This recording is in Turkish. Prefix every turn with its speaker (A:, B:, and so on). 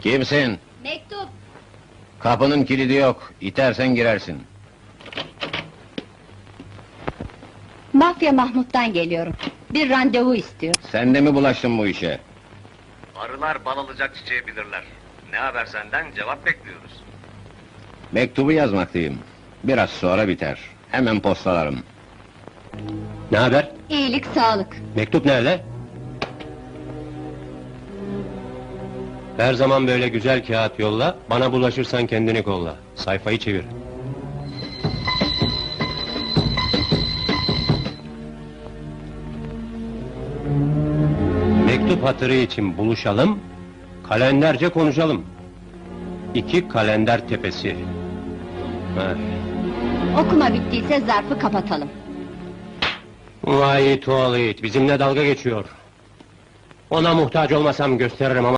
A: Kimsin?
B: Mektup.
A: Kapının kilidi yok, itersen girersin.
B: Mafya Mahmut'tan geliyorum. Bir randevu istiyor.
A: Sen de mi bulaştın bu işe?
C: Arılar bal alacak çiçeği bilirler. Ne haber senden? Cevap bekliyoruz.
A: Mektubu yazmaktayım. Biraz sonra biter. Hemen postalarım.
D: Ne haber?
B: İyilik, sağlık.
D: Mektup nerede? Her zaman böyle güzel kağıt yolla, bana bulaşırsan kendini kolla. Sayfayı çevir. Mektup hatırı için buluşalım, kalenderce konuşalım. 2 Kalender Tepesi. Heh.
B: Okuma bittiyse zarfı kapatalım.
D: Vay tuvalet, bizimle dalga geçiyor. Ona muhtaç olmasam gösteririm ama...